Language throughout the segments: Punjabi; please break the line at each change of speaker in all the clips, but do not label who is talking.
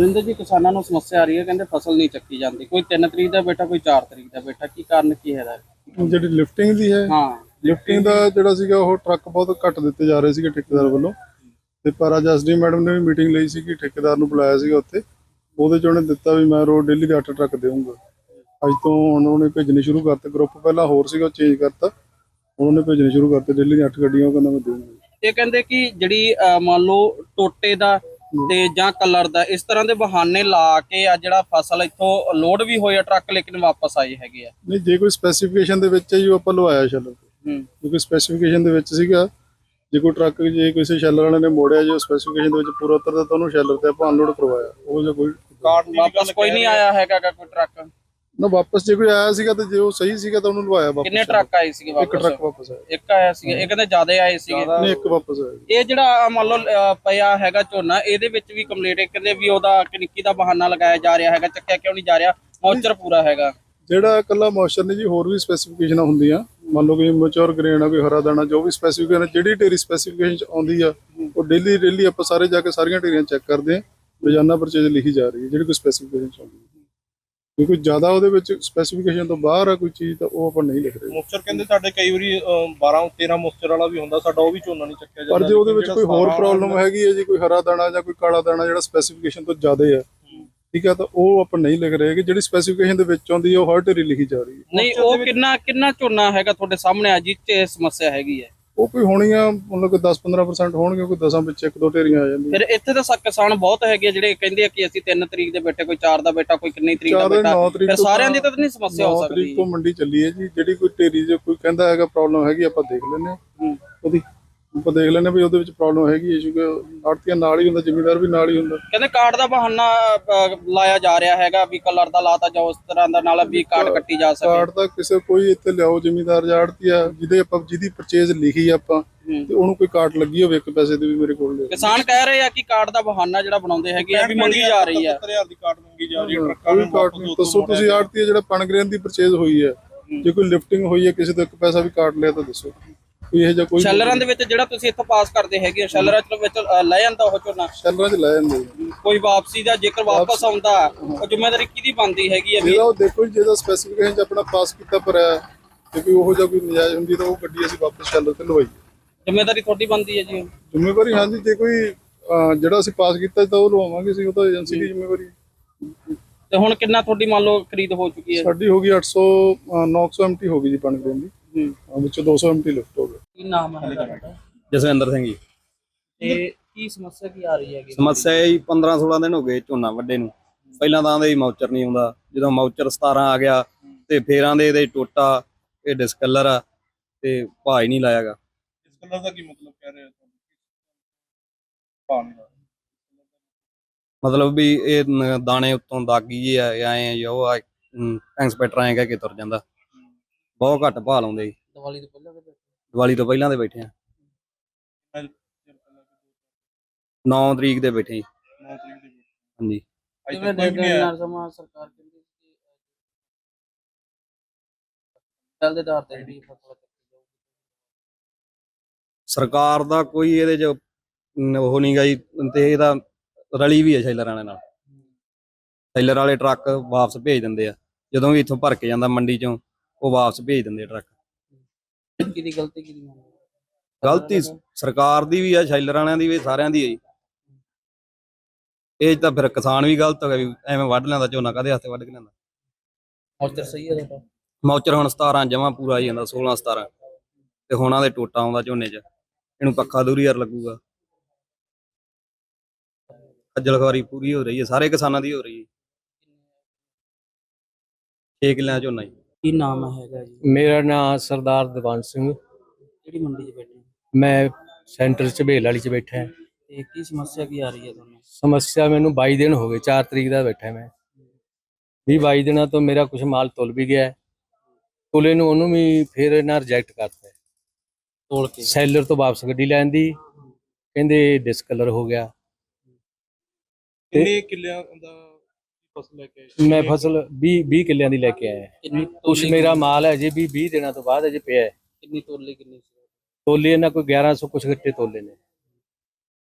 ਬਲਵਿੰਦਰ जी किसानों ਨੂੰ ਸਮੱਸਿਆ ਆ ਰਹੀ ਹੈ, ਕਹਿੰਦੇ ਫਸਲ ਨਹੀਂ ਚੱਕੀ ਜਾਂਦੀ, ਕੋਈ 3 ਤਰੀਕ ਦਾ ਬੈਠਾ, ਕੋਈ 4 ਤਰੀਕ ਦਾ ਬੈਠਾ, ਕੀ ਕਾਰਨ ਕੀ ਹੈ?
ਜਿਹੜੀ ਲਿਫਟਿੰਗ ਦੀ ਹੈ,
ਹਾਂ,
ਲਿਫਟਿੰਗ ਦਾ ਜਿਹੜਾ ਸੀਗਾ ਉਹ ਟਰੱਕ ਬਹੁਤ ਘੱਟ ਦਿੱਤੇ ਜਾ ਰਹੇ ਸੀਗੇ ਠੇਕੇਦਾਰ ਵੱਲੋਂ। ਤੇ ਪਰ ਅੱਜ ਐਸਡੀ ਮੈਡਮ ਨੇ ਵੀ ਮੀਟਿੰਗ ਲਈ ਸੀ ਕਿ ਠੇਕੇਦਾਰ ਨੂੰ ਬੁਲਾਇਆ ਸੀਗਾ ਉੱਥੇ, ਉਹਦੇ 'ਚ ਉਹਨੇ ਦਿੱਤਾ ਵੀ ਮੈਂ ਰੋਜ਼ ਡੇਲੀ ਦੇ 8 ਟਰੱਕ ਦੇਵਾਂਗਾ। ਅੱਜ ਤੋਂ ਹੁਣ ਉਹਨੇ ਭੇਜਣੇ ਸ਼ੁਰੂ ਕਰਤੇ। ਗਰੁੱਪ ਪਹਿਲਾਂ ਹੋਰ ਸੀਗਾ, ਉਹ ਚੇਂਜ ਕਰਤਾ, ਉਹਨੇ ਭੇਜਣੇ ਸ਼ੁਰੂ ਕਰਤੇ ਡੇਲੀ ਦੀਆਂ 8 ਗੱਡੀਆਂ। ਉਹ ਕਹਿੰਦਾ ਮੈਂ ਦੇਵਾਂਗਾ।
ਇਹ ਕਹਿੰਦੇ ਕਿ ਜਿਹੜੀ ਮੰਨ ਲਓ ਟੋਟੇ ਦਾ ਤੇ ਜਾਂ ਕਲਰ ਦਾ ਇਸ ਤਰ੍ਹਾਂ ਦੇ ਬਹਾਨੇ ਲਾ ਕੇ ਆ ਜਿਹੜਾ ਫਸਲ ਇੱਥੋਂ ਲੋਡ ਵੀ ਹੋਇਆ ਟਰੱਕ ਲੇਕਿਨ ਵਾਪਸ ਆਏ ਹੈਗੇ ਆ।
ਨਹੀਂ, ਜੇ ਕੋਈ ਸਪੈਸੀਫਿਕੇਸ਼ਨ ਦੇ ਵਿੱਚ ਹੈ ਜੀ, ਉਹ ਆਪਾਂ ਲਵਾਇਆ ਸ਼ੈਲਰ ਤੇ। ਕਿਉਂਕਿ ਸਪੈਸੀਫਿਕੇਸ਼ਨ ਦੇ ਵਿੱਚ ਸੀਗਾ, ਜੇ ਕੋਈ ਟਰੱਕ ਜੇ ਕਿਸੇ ਸ਼ੈਲਰ ਵਾਲੇ ਨੇ ਮੋੜਿਆ, ਜੋ ਸਪੈਸੀਫਿਕੇਸ਼ਨ ਦੇ ਵਿੱਚ ਪੂਰਾ ਉਤਰਦਾ ਤਾਂ ਉਹਨੂੰ ਸ਼ੈਲਰ ਤੇ ਆਪਾਂ ਅਨਲੋਡ ਕਰਵਾਇਆ। ਉਹ ਜੇ ਕੋਈ
ਵਾਪਸ ਕੋਈ ਨਹੀਂ ਆਇਆ ਹੈਗਾ ਕੋਈ ਟਰੱਕ
ਨਾ ਵਾਪਸ, ਜੇ ਕੋਈ ਆਇਆ ਸੀਗਾ ਤੇ ਜੇ ਉਹ ਸਹੀ ਸੀਗਾ ਤਾਂ ਉਹਨੂੰ ਲਵਾਇਆ ਵਾਪਸ।
ਕਿੰਨੇ ਟਰੱਕ ਆਏ ਸੀਗੇ ਵਾਪਸ?
ਇੱਕ ਟਰੱਕ ਵਾਪਸ ਆਇਆ।
ਇੱਕ ਆਇਆ ਸੀਗਾ, ਇਹ ਕਹਿੰਦੇ ਜ਼ਿਆਦਾ ਆਏ ਸੀਗੇ।
ਨਹੀਂ, ਇੱਕ ਵਾਪਸ ਆਇਆ।
ਇਹ ਜਿਹੜਾ ਮੰਨ ਲਓ ਪਿਆ ਹੈਗਾ ਝੋਨਾ, ਇਹਦੇ ਵਿੱਚ ਵੀ ਕੰਪਲੀਟ ਕਹਿੰਦੇ ਵੀ ਉਹਦਾ ਕਨਿੱਕੀ ਦਾ ਬਹਾਨਾ ਲਗਾਇਆ ਜਾ ਰਿਹਾ ਹੈਗਾ, ਚੱਕਿਆ ਕਿਉਂ ਨਹੀਂ ਜਾ ਰਿਹਾ? ਮੌਚਰ ਪੂਰਾ ਹੈਗਾ
ਜਿਹੜਾ ਇਕੱਲਾ ਮੌਇਸਚਰ ਨਹੀਂ ਜੀ, ਹੋਰ ਵੀ ਸਪੈਸੀਫਿਕੇਸ਼ਨਾਂ ਹੁੰਦੀਆਂ। ਮੰਨ ਲਓ ਕਿ ਮੈਚੁਰ ਗ੍ਰੇਨ ਆ, ਕੋਈ ਹਰਾ ਦਾਣਾ, ਜੋ ਵੀ ਸਪੈਸੀਫਿਕੇਸ਼ਨ ਜਿਹੜੀ ਢੇਰੀ ਸਪੈਸੀਫਿਕੇਸ਼ਨ 'ਚ ਆਉਂਦੀ ਆ, ਉਹ ਡੇਲੀ ਆਪਾਂ ਸਾਰੇ ਜਾ ਕੇ ਸਾਰੀਆਂ ਢੇਰੀਆਂ ਚੈੱਕ ਕਰਦੇ ਹਾਂ। ਰੋਜ਼ਾਨਾ ਪਰਚੇਜ ਲਿਖੀ ਜਾ ਰਹੀ ਹੈ ਜਿਹੜੀ ਕੋਈ ਸਪੈਸੀਫਿਕੇਸ਼ਨ 'ਚ ਆਉਂਦੀ ਹੈ। ਜੇ ਕੋਈ ਜ਼ਿਆਦਾ ਉਹਦੇ ਵਿੱਚ ਸਪੈਸੀਫਿਕੇਸ਼ਨ ਤੋਂ ਬਾਹਰ ਆ ਕੋਈ ਚੀਜ਼, ਤਾਂ ਉਹ ਆਪਾਂ ਨਹੀਂ ਲਿਖ ਰਹੇ।
ਮੋਸਚਰ ਕਹਿੰਦੇ ਸਾਡੇ ਕਈ ਵਾਰੀ 12-13 ਮੋਸਚਰ ਵਾਲਾ ਵੀ ਹੁੰਦਾ, ਸਾਡਾ ਉਹ ਵੀ ਝੋਨਾ ਨਹੀਂ ਚੱਕਿਆ ਜਾਂਦਾ।
ਪਰ ਜੇ ਉਹਦੇ ਵਿੱਚ ਕੋਈ ਹੋਰ ਪ੍ਰੋਬਲਮ ਹੈਗੀ ਹੈ ਜੀ, ਕੋਈ ਹਰਾ ਦਾਣਾ ਜਾਂ ਕੋਈ ਕਾਲਾ ਦਾਣਾ ਜਿਹੜਾ ਸਪੈਸੀਫਿਕੇਸ਼ਨ ਤੋਂ ਜ਼ਿਆਦਾ ਹੈ, ਠੀਕ ਹੈ, ਤਾਂ ਉਹ ਆਪਾਂ ਨਹੀਂ ਲਿਖ ਰਹੇ। ਕਿ ਜਿਹੜੀ ਸਪੈਸੀਫਿਕੇਸ਼ਨ ਦੇ ਵਿੱਚ ਆਉਂਦੀ ਹੈ ਉਹ ਹਰ ਢੇਰੀ ਲਿਖੀ ਜਾ ਰਹੀ ਹੈ।
ਨਹੀਂ, ਉਹ ਕਿੰਨਾ ਝੋਨਾ ਹੈਗਾ ਤੁਹਾਡੇ ਸਾਹਮਣੇ ਅੱਜ ਇਹ ਸਮੱਸਿਆ ਹੈਗੀ ਹੈ?
ਉਹ ਕੋਈ ਹੋਣੀ ਆ, ਮਤਲਬ ਕਿ 10-15% ਹੋਣਗੇ, ਕੋਈ 10 ਵਿੱਚ 1-2 ਢੇਰੀਆਂ ਆ ਜਾਂਦੀਆਂ।
ਫਿਰ ਇੱਥੇ ਤਾਂ ਕਿਸਾਨ ਬਹੁਤ ਹੈਗੇ ਆ ਜਿਹੜੇ ਕਹਿੰਦੇ ਆ ਕਿ ਅਸੀਂ 3 ਤਰੀਕ ਦੇ ਬੈਠੇ, ਕੋਈ 4 ਦਾ ਬੈਠਾ, ਕੋਈ ਕਿੰਨੀ ਤਰੀਕ ਦਾ ਬੈਠਾ। ਫਿਰ ਸਾਰਿਆਂ ਦੀ ਤਾਂ ਨਹੀਂ ਸਮੱਸਿਆ ਹੋ ਸਕਦੀ।
9 ਤਰੀਕ ਤੋਂ ਮੰਡੀ ਚੱਲੀ ਹੈ ਜੀ। ਜਿਹੜੀ ਕੋਈ ਢੇਰੀ ਜੇ ਕੋਈ ਕਹਿੰਦਾ ਹੈਗਾ ਪ੍ਰੋਬਲਮ ਹੈਗੀ, ਆਪਾਂ ਦੇਖ ਲੈਂਦੇ ਹਾਂ। ਉਹਦੀ ਆਪਾਂ ਦੇਖ ਲੈਂਦੇ ਵੀ ਉਹਦੇ ਵਿੱਚ ਪ੍ਰੋਬਲਮ ਹੈਗੀ ਹੈ, ਕਿਉਂਕਿ ਆੜਤੀਆਂ ਨਾਲ ਹੀ ਹੁੰਦਾ, ਜ਼ਿਮੀਂਦਾਰ ਵੀ ਨਾਲ ਹੀ ਹੁੰਦਾ।
ਕਹਿੰਦੇ ਕਾਰਡ ਦਾ ਬਹਾਨਾ ਲਾਇਆ ਜਾ ਰਿਹਾ ਹੈਗਾ ਵੀ ਕਲਰ ਦਾ ਲਾਤਾ ਜਾਂ ਉਸ ਤਰ੍ਹਾਂ ਦਾ ਨਾਲ ਵੀ ਕਾਰਡ ਕੱਟੀ ਜਾ ਸਕੇ।
ਕਾਰਡ ਦਾ ਕਿਸੇ ਕੋਈ ਇੱਥੇ ਲਿਆਓ ਜ਼ਿਮੀਂਦਾਰ ਜਾਂ ਆੜਤੀਆ ਜਿਹਦੀ ਪਰਚੇਜ਼ ਲਿਖੀ ਆਪਾਂ, ਤੇ ਉਹਨੂੰ ਕੋਈ ਕਾਰਡ ਲੱਗੀ ਹੋਵੇ 1 ਪੈਸੇ ਦੀ ਵੀ ਮੇਰੇ ਕੋਲ ਲਿਆਓ।
ਕਿਸਾਨ ਕਹਿ ਰਹੇ ਆ ਕਿ ਕਾਰਡ ਦਾ ਬਹਾਨਾ ਜਿਹੜਾ ਬਣਾਉਂਦੇ ਹੈਗੇ ਆ ਵੀ ਮੰਗੀ ਜਾ ਰਹੀ ਆ।
70,000 ਦੀ ਕਾਰਡ ਮੰਗੀ ਜਾ ਰਹੀ ਹੈ ਟਰੱਕਾਂ
ਕੋਈ ਕਾਰਡ ਨਹੀਂ। ਦੱਸੋ ਤੁਸੀਂ ਆੜਤੀਆ ਜਿਹੜਾ ਪਨਗ੍ਰੇਨ ਦੀ ਪਰਚੇਜ਼ ਹੋਈ ਹੈ, ਜੇ ਕੋਈ ਲਿਫਟਿੰਗ ਹੋਈ ਹੈ ਕਿਸੇ ਤੋਂ 1 ਪੈਸਾ ਵੀ ਕਾਰਡ ਲਿਆ ਤਾਂ ਦੱਸੋ। ਕੋਈ ਇਹ ਜਿਹਾ ਕੋਈ
ਸ਼ੈਲਰਾਂ ਦੇ ਵਿੱਚ ਜਿਹੜਾ ਤੁਸੀਂ ਇੱਥੋਂ ਪਾਸ ਕਰਦੇ ਹੈਗੇ ਸ਼ੈਲਰਾਂ ਚ ਵਿੱਚ ਲੈ ਜਾਂਦਾ ਉਹ ਝੋਨਾ?
ਸ਼ੈਲਰਾਂ 'ਚ ਲੈ ਜਾਂਦੇ
ਕੋਈ ਵਾਪਸੀ ਦਾ ਜੇਕਰ ਵਾਪਸ ਆਉਂਦਾ ਉਹ ਜ਼ਿੰਮੇਵਾਰੀ ਕਿਹਦੀ ਬਣਦੀ ਹੈਗੀ ਹੈ?
ਜਿਹਦਾ ਉਹ ਦੇਖੋ ਜੀ, ਜਿਹਦਾ ਸਪੈਸੀਫਿਕੇਸ਼ਨ 'ਚ ਆਪਣਾ ਪਾਸ ਕੀਤਾ ਪਰ ਹੈ, ਜੇ ਕੋਈ ਉਹੋ ਜਿਹਾ ਕੋਈ ਨਜਾਇਜ਼ ਹੁੰਦੀ ਤਾਂ ਉਹ ਗੱਡੀ ਅਸੀਂ ਵਾਪਸ ਸ਼ੈਲਰ ਤੇ ਲਵਾਈ।
ਜ਼ਿੰਮੇਵਾਰੀ ਤੁਹਾਡੀ ਬਣਦੀ ਹੈ ਜੀ?
ਜ਼ਿੰਮੇਵਾਰੀ ਹਾਂਜੀ, ਜੇ ਕੋਈ ਜਿਹੜਾ ਅਸੀਂ ਪਾਸ ਕੀਤਾ ਤਾਂ ਉਹ ਲਵਾਵਾਂਗੇ ਅਸੀਂ, ਉਹ ਤਾਂ ਏਜੰਸੀ ਦੀ ਜ਼ਿੰਮੇਵਾਰੀ।
ਤੇ ਹੁਣ ਕਿੰਨਾ ਤੁਹਾਡੀ ਮੰਨ ਲਓ ਖਰੀਦ ਹੋ ਚੁੱਕੀ ਹੈ?
ਸਾਡੀ ਹੋ ਗਈ 900 ਐਮਟੀ ਹੋ ਗਈ ਜੀ ਪਨਗ੍ਰੇਨ ਦੀ, ਵਿੱਚੋਂ 200 ਐਮਟੀ ਲਿਫਟ ਹੋ ਗਿਆ।
ਕੀ ਨਾਮ ਹੈ ਤੁਹਾਡਾ?
ਜਸਵਿੰਦਰ ਸਿੰਘ ਜੀ।
ਤੇ ਕੀ ਸਮੱਸਿਆ ਕੀ ਆ ਰਹੀ ਹੈਗੀ?
ਸਮੱਸਿਆ ਇਹ 15-16 ਦਿਨ ਹੋ ਗਏ ਝੋਨਾ ਵੱਡੇ ਨੂੰ। ਪਹਿਲਾਂ ਤਾਂ ਆਂਦੇ ਮੌਚਰ ਨਹੀਂ ਆਉਂਦਾ, ਜਦੋਂ ਮੌਚਰ 17 ਆ ਗਿਆ ਤੇ ਫੇਰ ਆਂਦੇ ਇਹਦੇ ਟੋਟਾ, ਇਹ ਡਿਸਕਲਰ ਆ ਤੇ ਭਾਅ ਹੀ ਨਹੀਂ ਲਾਇਆਗਾ।
ਡਿਸਕਲਰ ਦਾ ਕੀ ਮਤਲਬ ਕਹਿ ਰਹੇ ਹੋ?
ਮਤਲਬ ਵੀ ਇਹ ਦਾਣੇ ਉੱਤੋਂ ਦਾਗੀ ਜੇ ਆ, ਐ ਜੋ ਆ ਇੰਸਪੈਕਟਰ ਐਂ ਕਹਿ ਕੇ ਤੁਰ ਜਾਂਦਾ। ਬਹੁਤ ਘੱਟ ਭਾਅ ਲਾਉਂਦੇ ਜੀ।
ਦੀਵਾਲੀ ਤੋਂ ਪਹਿਲਾਂ ਦੇ?
ਦੀਵਾਲੀ ਤੋਂ ਪਹਿਲਾਂ ਦੇ ਬੈਠੇ ਆ, 9 ਤਰੀਕ ਦੇ ਬੈਠੇ ਜੀ।
9 ਤਰੀਕ ਦੀ
ਹਾਂਜੀ।
ਕਿਵੇਂ ਦੇਖਦੇ ਹੋ ਯਾਰ ਸਮਾਂ ਸਰਕਾਰ ਕਹਿੰਦੀ ਸੀ ਚੱਲ ਦੇ ਆਧਾਰ ਤੇ ਜਿਹੜੀ ਫਸਲ
ਸਰਕਾਰ ਦਾ ਕੋਈ ਇਹਦੇ 'ਚ ਉਹ ਨਹੀਂ ਗਾ ਜੀ, ਤੇ ਇਹਦਾ ਰਲੀ ਵੀ ਹੈ ਸ਼ੈਲਰ ਵਾਲੇ ਨਾਲ। ਸ਼ੈਲਰ ਵਾਲੇ ਟਰੱਕ ਵਾਪਸ ਭੇਜ ਦਿੰਦੇ ਆ, ਜਦੋਂ ਵੀ ਇੱਥੋਂ ਭਰ ਕੇ ਜਾਂਦਾ ਮੰਡੀ 'ਚੋਂ ਉਹ ਵਾਪਸ ਭੇਜ ਦਿੰਦੇ ਆ ਟਰੱਕ।
ਕਿਹਦੀ ਗਲਤੀ ਕਿਹਦੀ?
ਗਲਤੀ ਸਰਕਾਰ ਦੀ ਵੀ ਆ, ਸ਼ੈਲਰ ਵਾਲਿਆਂ ਦੀ ਵੀ, ਸਾਰਿਆਂ ਦੀ ਹੈ ਜੀ। ਇਹ ਤਾਂ ਫਿਰ ਕਿਸਾਨ ਵੀ ਗਲਤ ਹੋ ਗਿਆ ਵੀ ਐਵੇਂ ਵੱਢ ਲੈਂਦਾ ਝੋਨਾ, ਕਾਹਦੇ ਹੱਥੇ ਵੱਢ ਕੇ ਲੈਂਦਾ।
ਮੌਚਰ ਸਹੀ ਹੈ ਤੁਹਾਡਾ?
ਮੌਚਰ ਹੁਣ 17 ਜਮਾਂ ਪੂਰਾ ਹੀ ਜਾਂਦਾ, 16-17 ਤੇ ਹੁਣ ਆਦੇ ਟੋਟਾ ਆਉਂਦਾ ਝੋਨੇ 'ਚ, ਇਹਨੂੰ ਪੱਖਾ ਦੂਰੀ ਯਾਰ ਲੱਗੂਗਾ। ਖੱਜਲ ਖਵਾਰੀ ਪੂਰੀ ਹੋ ਰਹੀ ਹੈ, ਸਾਰੇ ਕਿਸਾਨਾਂ ਦੀ ਹੋ ਰਹੀ ਹੈ। 6 ਕਿੱਲਿਆਂ ਝੋਨਾ ਜੀ।
ਕੀ ਨਾਮ ਹੈਗਾ ਜੀ?
ਮੇਰਾ ਨਾਮ ਸਰਦਾਰ ਦੀਵਾਨ ਸਿੰਘ।
ਕਿਹੜੀ ਮੰਡੀ 'ਚ ਬੈਠੇ?
ਮੈਂ ਸੈਂਟਰ ਝਬੇਲ ਵਾਲੀ 'ਚ ਬੈਠਾ।
ਤੇ ਕੀ ਸਮੱਸਿਆ ਕੀ ਆ ਰਹੀ ਹੈ ਤੁਹਾਨੂੰ?
ਸਮੱਸਿਆ ਮੈਨੂੰ 22 ਦਿਨ ਹੋ ਗਏ, 4 ਤਰੀਕ ਦਾ ਬੈਠਾ ਮੈਂ। 20-22 ਦਿਨਾਂ ਤੋਂ ਮੇਰਾ ਕੁਝ ਮਾਲ ਤੁਲ ਵੀ ਗਿਆ, ਤੁਲੇ ਨੂੰ ਉਹਨੂੰ ਵੀ ਫਿਰ ਇਹਨਾਂ ਰਿਜੈਕਟ ਕਰਤਾ।
ਤੋਲ ਕੇ
ਸੈਲਰ ਤੋਂ ਵਾਪਸ ਗੱਡੀ ਲੈਣ ਦੀ ਕਹਿੰਦੇ ਡਿਸਕਲਰ ਹੋ ਗਿਆ।
ਕਿੰਨੇ ਕਿੱਲਿਆਂ ਦਾ ਫਸਲ ਲੈ ਕੇ ਆਏ?
ਮੈਂ ਫਸਲ 20 ਕਿੱਲਿਆਂ ਦੀ ਲੈ ਕੇ ਆਇਆ।
ਕਿੰਨੀ
ਕੁਛ ਮੇਰਾ ਮਾਲ ਹੈ ਅਜੇ ਵੀ 20 ਦਿਨਾਂ ਤੋਂ ਬਾਅਦ ਅਜੇ ਪਿਆ ਹੈ।
ਕਿੰਨੀ ਤੋਲੀ ਕਿੰਨੀ ਸੀ?
ਤੋਲੇ ਇਹਨਾਂ ਕੋਈ 1100 ਕੁਛ ਗੱਟੇ ਤੋਲੇ ਨੇ।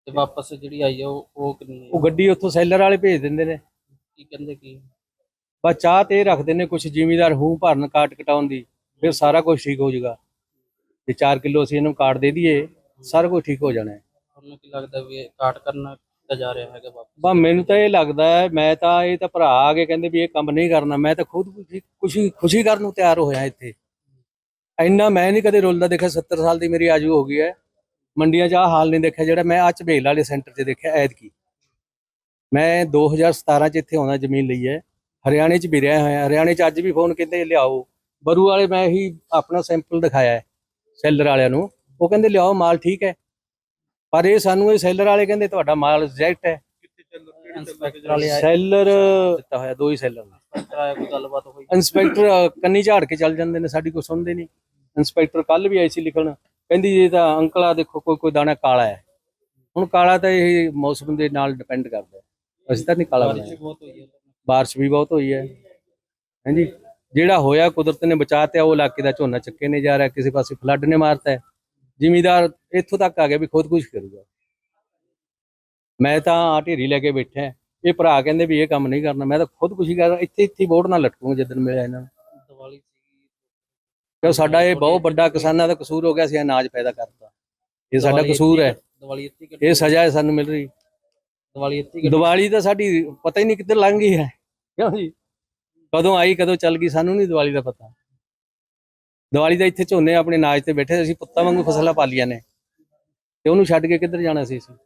ਤੇ ਵਾਪਸ ਜਿਹੜੀ ਆਈ ਆ ਉਹ ਕਿੰਨੀ
ਉਹ ਗੱਡੀ ਉੱਥੋਂ ਸੈਲਰ ਵਾਲੇ ਭੇਜ ਦਿੰਦੇ ਨੇ।
ਕੀ ਕਹਿੰਦੇ ਕੀ?
ਬਸ ਚਾਹ ਤੇ ਇਹ ਰੱਖਦੇ ਨੇ ਕੁਝ ਜ਼ਿਮੀਦਾਰ ਹੂੰ ਭਰਨ ਕਾਟ ਕਟਾਉਣ ਦੀ, ਫਿਰ ਸਾਰਾ ਕੁਝ ਠੀਕ ਹੋ ਜਾਊਗਾ। ਤੇ 4 ਕਿਲੋ ਅਸੀਂ ਇਹਨੂੰ ਕਾਟ ਦੇ ਦਈਏ, ਸਾਰਾ ਕੁਝ ਠੀਕ ਹੋ ਜਾਣਾ ਹੈ।
ਤੁਹਾਨੂੰ ਕੀ ਲੱਗਦਾ ਵੀ ਇਹ ਕਾਟ ਕਰਨਾ ਕੀਤਾ ਜਾ ਰਿਹਾ ਹੈਗਾ ਵਾਪਸ?
ਬਸ ਮੈਨੂੰ ਤਾਂ ਇਹ ਲੱਗਦਾ ਹੈ, ਮੈਂ ਤਾਂ ਇਹ ਤਾਂ ਭਰਾ ਆ ਕੇ ਕਹਿੰਦੇ ਵੀ ਇਹ ਕੰਮ ਨਹੀਂ ਕਰਨਾ, ਮੈਂ ਤਾਂ ਖੁਦ ਖੁਸ਼ੀ ਕਰਨ ਨੂੰ ਤਿਆਰ ਹੋਇਆ ਇੱਥੇ। ਇੰਨਾ ਮੈਂ ਨਹੀਂ ਕਦੇ ਰੁਲਦਾ ਦੇਖਿਆ, 70 ਸਾਲ ਦੀ ਮੇਰੀ ਆਜੂ ਹੋ ਗਈ ਹੈ, ਮੰਡੀਆਂ 'ਚ ਆਹ ਹਾਲ ਨਹੀਂ ਦੇਖਿਆ ਜਿਹੜਾ ਮੈਂ ਝਬੇਲ ਵਾਲੇ ਸੈਂਟਰ 'ਚ ਦੇਖਿਆ ਐਤਕੀ। ਮੈਂ 2017 'ਚ ਇੱਥੇ ਆਉਣਾ ਜ਼ਮੀਨ ਲਈ ਹੈ, ਹਰਿਆਣੇ 'ਚ ਵੀ ਰਿਹਾ ਹੋਇਆ। ਹਰਿਆਣੇ 'ਚ ਅੱਜ ਵੀ ਫੋਨ ਕਹਿੰਦੇ ਲਿਆਓ ਬਰੂ ਵਾਲੇ, ਮੈਂ ਹੀ ਆਪਣਾ ਸੈਂਪਲ ਦਿਖਾਇਆ ਹੈ ਸੈਲਰ ਵਾਲਿਆਂ ਨੂੰ, ਉਹ ਕਹਿੰਦੇ ਲਿਆਓ ਮਾਲ ਠੀਕ ਹੈ। ਪਰ ਇਹ ਸਾਨੂੰ ਇਹ ਸੈਲਰ ਵਾਲੇ ਕਹਿੰਦੇ ਤੁਹਾਡਾ ਮਾਲ ਰਿਜੈਕਟ ਹੈ।
ਇੰਸਪੈਕਟਰ ਵਾਲੇ ਆਏ,
ਸੈਲਰ ਦਿੱਤਾ ਹੋਇਆ 2 ਹੀ ਸੈਲਰ ਨੇ।
ਇੰਸਪੈਕਟਰ ਆਇਆ, ਕੋਈ ਗੱਲਬਾਤ ਹੋਈ?
ਇੰਸਪੈਕਟਰ ਕੰਨੀ ਝਾੜ ਕੇ ਚੱਲ ਜਾਂਦੇ ਨੇ, ਸਾਡੀ ਕੋਈ ਸੁਣਦੇ ਨਹੀਂ। ਇੰਸਪੈਕਟਰ ਕੱਲ ਵੀ ਆਈ ਸੀ ਲਿਖਣ, ਕਹਿੰਦੀ ਇਹ ਤਾਂ ਅੰਕਲ ਆ ਦੇਖੋ ਕੋਈ ਦਾਣਾ ਕਾਲਾ ਹੈ। ਹੁਣ ਕਾਲਾ ਤਾਂ ਇਹ ਮੌਸਮ ਦੇ ਨਾਲ ਡਿਪੈਂਡ ਕਰਦਾ, ਅਸੀਂ ਤਾਂ ਨਹੀਂ ਕਾਲਾ ਬਣਾਇਆ।
ਬਹੁਤ ਹੋਈ ਹੈ।
ਬਾਰਿਸ਼ ਵੀ ਬਹੁਤ ਹੋਈ ਹੈ ਹਾਂਜੀ। ਜਿਹੜਾ ਹੋਇਆ ਕੁਦਰਤ ਨੇ ਬਚਾਤਾ, ਉਹ ਇਲਾਕੇ ਦਾ ਝੋਨਾ ਚੱਕੇ ਨਹੀਂ ਜਾ ਰਿਹਾ, ਕਿਸੇ ਪਾਸੇ ਫਲੱਡ ਨੇ ਮਾਰਤਾ ਹੈ। ਜ਼ਿਮੀਦਾਰ ਇੱਥੋਂ ਤੱਕ ਆ ਗਿਆ ਵੀ ਖੁਦਕੁਸ਼ੀ ਕਰੂਗਾ। ਮੈਂ ਤਾਂ ਆ ਢੇਰੀ ਲੈ ਕੇ ਬੈਠਾ, ਇਹ ਭਰਾ ਕਹਿੰਦੇ ਵੀ ਇਹ ਕੰਮ ਨਹੀਂ ਕਰਨਾ, ਮੈਂ ਤਾਂ ਖੁਦਕੁਸ਼ੀ ਕਰ ਇੱਥੇ ਬੋਰਡ ਨਾਲ ਲਟਕੂਗਾ ਜਿੱਦਣ ਮਿਲਿਆ ਇਹਨਾਂ ਨੂੰ।
ਦੀਵਾਲੀ ਸੀਗੀ,
ਕਿਉਂ ਸਾਡਾ ਇਹ ਬਹੁਤ ਵੱਡਾ ਕਿਸਾਨਾਂ ਦਾ ਕਸੂਰ ਹੋ ਗਿਆ, ਅਸੀਂ ਅਨਾਜ ਪੈਦਾ ਕਰਤਾ, ਇਹ ਸਾਡਾ ਕਸੂਰ ਹੈ,
ਦੀਵਾਲੀ ਇੱਥੇ
ਇਹ ਸਜ਼ਾ ਹੈ ਸਾਨੂੰ ਮਿਲ ਰਹੀ।
ਦੀਵਾਲੀ ਇੱਥੇ
ਦੀਵਾਲੀ ਤਾਂ ਸਾਡੀ ਪਤਾ ਹੀ ਨਹੀਂ ਕਿੱਧਰ ਲੰਘ ਗਈ ਹੈ, ਕਿਉਂ ਜੀ? ਕਦੋਂ ਆਈ ਕਦੋਂ ਚੱਲ ਗਈ ਸਾਨੂੰ ਨਹੀਂ ਦੀਵਾਲੀ ਦਾ ਪਤਾ। ਦੀਵਾਲੀ ਦਾ ਇੱਥੇ ਝੋਨੇ ਆਪਣੇ ਨਾਜ ਤੇ ਬੈਠੇ, ਅਸੀਂ ਪੁੱਤਾਂ ਵਾਂਗੂ ਫਸਲਾਂ ਪਾਲੀਆਂ ਨੇ, ਤੇ ਉਹਨੂੰ ਛੱਡ ਕੇ ਕਿੱਧਰ ਜਾਣਾ ਸੀ ਅਸੀਂ?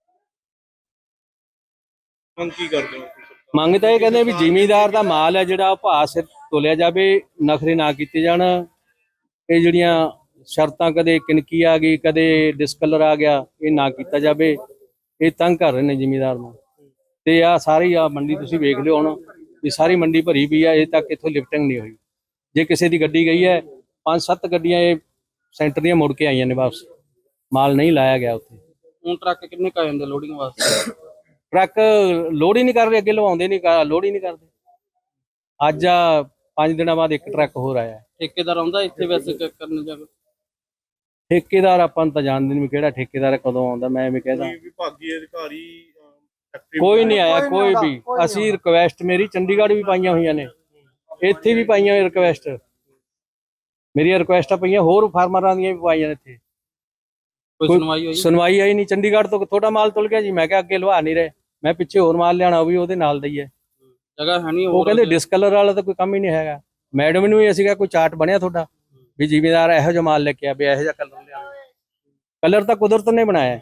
ਮੰਗ ਕੀ ਕਰਦੇ ਹੋ?
ਮੰਗ ਤਾਂ ਇਹ ਕਹਿੰਦੇ ਵੀ ਜ਼ਿਮੀਦਾਰ ਦਾ ਮਾਲ ਹੈ ਜਿਹੜਾ ਉਹ ਭਾਅ ਸਿਰ ਤੋਲਿਆ ਜਾਵੇ, ਨਖਰੇ ਨਾ ਕੀਤੇ ਜਾਣ। ਇਹ ਜਿਹੜੀਆਂ ਸ਼ਰਤਾਂ ਕਦੇ ਕਿਣਕੀ ਆ ਗਈ, ਕਦੇ ਡਿਸਕਲਰ ਆ ਗਿਆ, ਇਹ ਨਾ ਕੀਤਾ ਜਾਵੇ। ਇਹ ਤੰਗ ਕਰ ਰਹੇ ਨੇ ਜ਼ਿਮੀਦਾਰ ਨੂੰ। ਤੇ ਆ ਸਾਰੀ ਆ ਮੰਡੀ ਤੁਸੀਂ ਵੇਖ ਲਿਓ ਹੁਣ ਵੀ ਸਾਰੀ ਮੰਡੀ ਭਰੀ ਪਈ ਆ, ਅਜੇ ਤੱਕ ਇੱਥੋਂ ਲਿਫਟਿੰਗ ਨਹੀਂ ਹੋਈ। ਜੇ ਕਿਸੇ ਦੀ ਗੱਡੀ ਗਈ ਹੈ, 5-7 ਗੱਡੀਆਂ ਇਹ ਸੈਂਟਰ ਦੀਆਂ ਮੁੜ ਕੇ ਆਈਆਂ ਨੇ ਵਾਪਸ, ਮਾਲ ਨਹੀਂ ਲਾਇਆ ਗਿਆ ਉੱਥੇ।
ਹੁਣ ਟਰੱਕ ਕਿੰਨੇ ਕ ਆ ਜਾਂਦੇ ਲੋਡਿੰਗ ਵਾਸਤੇ?
ਟਰੱਕ ਲੋਡ ਹੀ ਨਹੀਂ ਕਰ ਰਹੇ, ਅੱਗੇ ਲਵਾਉਂਦੇ ਨਹੀਂ, ਲੋਡ ਹੀ ਨਹੀਂ ਕਰਦੇ। ਅੱਜ 5 ਦਿਨਾਂ ਬਾਅਦ ਇੱਕ ਟਰੱਕ ਹੋਰ ਆਇਆ।
ਠੇਕੇਦਾਰ ਆਉਂਦਾ ਇੱਥੇ ਵੈਸੇ ਕਰਨ ਜਾ?
ਠੇਕੇਦਾਰ ਆਪਾਂ ਨੂੰ ਤਾਂ ਜਾਣਦੇ ਨਹੀਂ ਵੀ ਕਿਹੜਾ ਠੇਕੇਦਾਰ ਕਦੋਂ ਆਉਂਦਾ, ਮੈਂ ਐਵੇਂ ਕਹਿੰਦਾ
ਕੋਈ ਵਿਭਾਗੀ ਅਧਿਕਾਰੀ
ਕੋਈ ਨਹੀਂ ਆਇਆ, ਕੋਈ ਵੀ। ਅਸੀਂ ਰਿਕਵੈਸਟ ਮੇਰੀ ਚੰਡੀਗੜ੍ਹ ਵੀ ਪਾਈਆਂ ਹੋਈਆਂ ਨੇ, ਇੱਥੇ ਵੀ ਪਾਈਆਂ ਹੋਈਆਂ ਰਿਕਵੈਸਟ, ਮੇਰੀਆਂ ਰਿਕਵੈਸਟਾਂ ਪਈਆਂ, ਹੋਰ ਫਾਰਮਰਾਂ ਦੀਆਂ ਵੀ ਪਾਈਆਂ ਨੇ ਇੱਥੇ।
ਕੋਈ ਸੁਣਵਾਈ ਹੋਈ?
ਸੁਣਵਾਈ ਆਈ ਨਹੀਂ। ਚੰਡੀਗੜ੍ਹ ਤੋਂ ਥੋੜਾ ਮਾਲ ਤੁਲ ਗਿਆ ਜੀ, ਮੈਂ ਕਿਹਾ ਅੱਗੇ ਲਵਾ ਨਹੀਂ ਰਹੇ, ਮੈਂ ਪਿੱਛੇ ਹੋਰ ਮਾਲ ਲਿਆਣਾ, ਉਹ ਵੀ ਉਹਦੇ ਨਾਲ ਦਾ ਹੀ ਹੈ।
ਜਗ੍ਹਾ ਹੈ ਨਹੀਂ?
ਉਹ ਕਹਿੰਦੇ ਡਿਸਕਲਰ ਵਾਲਾ ਤਾਂ ਕੋਈ ਕੰਮ ਹੀ ਨਹੀਂ ਹੈਗਾ। ਮੈਡਮ ਨੂੰ ਵੀ ਅਸੀਂ ਕਿਹਾ ਕੋਈ ਚਾਰਟ ਬਣਿਆ ਤੁਹਾਡਾ ਵੀ ਜ਼ਿਮੀਦਾਰ ਇਹੋ ਜਿਹਾ ਮਾਲ ਲੈ ਕੇ ਆ, ਵੀ ਇਹੋ ਜਿਹਾ ਕਲਰ ਲਿਆ। ਕਲਰ ਤਾਂ ਕੁਦਰਤ ਨੇ ਬਣਾਇਆ,